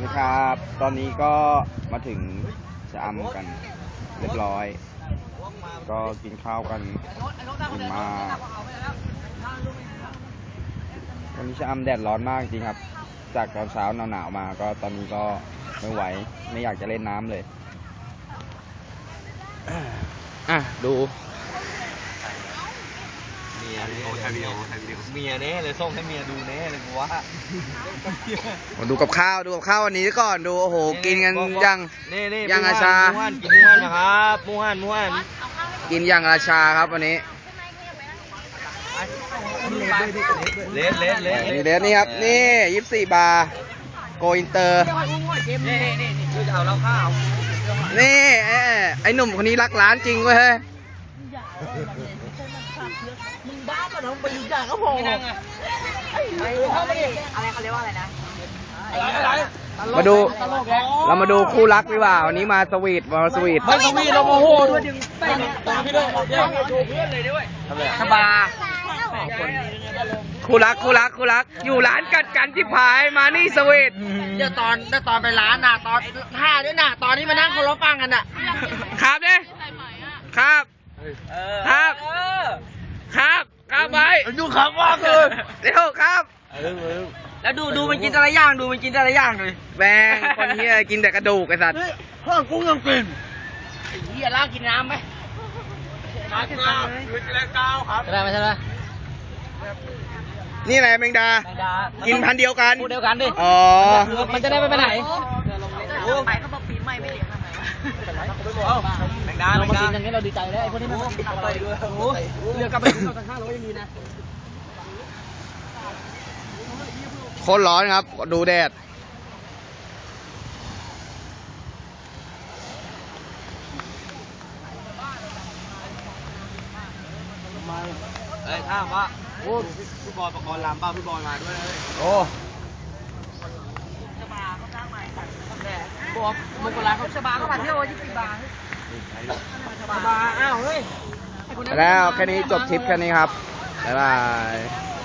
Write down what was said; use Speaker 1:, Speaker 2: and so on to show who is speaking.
Speaker 1: ดีครับตอนนี้ก็มาถึงชะอำกันเรียบร้อยก็กินข้าวกันกินมาวันนี้ชะอำแดดร้อนมากจริงครับจากตอนเช้าหนาวๆมาก็ตอนนี้ก็ไม่ไหวไม่อยากจะเล่นน้ำเลยดู
Speaker 2: เมียเน่เลยส่งให้เมียดูเน่เลยกูว่า
Speaker 1: ดูกับข้าววันนี้ก่อนดูโอ้โหกินกันยังอาชา
Speaker 2: กินม้วนนะครับม้วน
Speaker 1: กินอย่างราชาครับวันนี้
Speaker 2: เลส
Speaker 1: นี่ครับนี่24 บาร์โกอินเตอร์
Speaker 2: นี่คือจะเอาเหล้าข้าว
Speaker 1: นี่ไอ้หนุ่มคนนี้รักร้านจริงเว้ย
Speaker 3: มึงบ้าป่ะน้องไปยุ่งยากก็พออะไรเขาเรียกว่าอะไรนะ
Speaker 1: มาดูเรามาดูคู่รักดีกว่าวันนี้มาสวีท
Speaker 2: เราโมโหด้วยจึงไปพี่ด้วยเพื่อนเลยด้วย
Speaker 3: สบา
Speaker 1: คู่รักอยู่ร้านกัดกันที่พายมานี่สวีท
Speaker 3: เดี๋ยวตอนไปร้านน่ะตอนท่าด้วยน่ะตอนที่มานั่งเคารพฟังกันน่ะ
Speaker 1: ครับเนี่ยครับไป
Speaker 2: ดูครับว่าคือ
Speaker 1: เร็วครับ
Speaker 3: แล้วดูมันกินแต่ละอย่างเลย
Speaker 1: แบงคนเฮียกินแต่กระดูกไอ้สัตว์
Speaker 2: ข้าวกุ้งยังกิน
Speaker 3: ไอ้เฮียล่ากินน้ำไหม
Speaker 2: น้ำคือจะได้ก้าวครับ
Speaker 3: ได้ไหมใช่ไหม
Speaker 1: นี่อะไรแมงดากินพันเดียวกัน
Speaker 3: พูดเดียวกันดิ
Speaker 1: อ๋อ
Speaker 3: มันจะได้ไม่ไปไหน
Speaker 4: ไปเขาบอกปีใหม่ไม่เลี้ยงทำไมวะ
Speaker 2: แมงดา
Speaker 3: เรามากินอย่างนี้เราดีใจแล้วไอ้พวกนี้มันไปด้วยเรือกลับไปถึงเราตั้ง500ยังดีนะ
Speaker 1: โคตรร้อนครับดูแดด
Speaker 2: ถามว่าโอ้พี่บอยประกรณ์ลำบ้าพี่บอยมาด้วยเลย
Speaker 1: โอ้
Speaker 3: ชบาเขาสร้างใหม่บอกมุกลาเขาชบาเขาผ่านที่โอ้20 บาทชบาอ้าวเฮ้ย
Speaker 1: แล้วแค่นี้จบทริปแค่นี้ครับบ๊ายบาย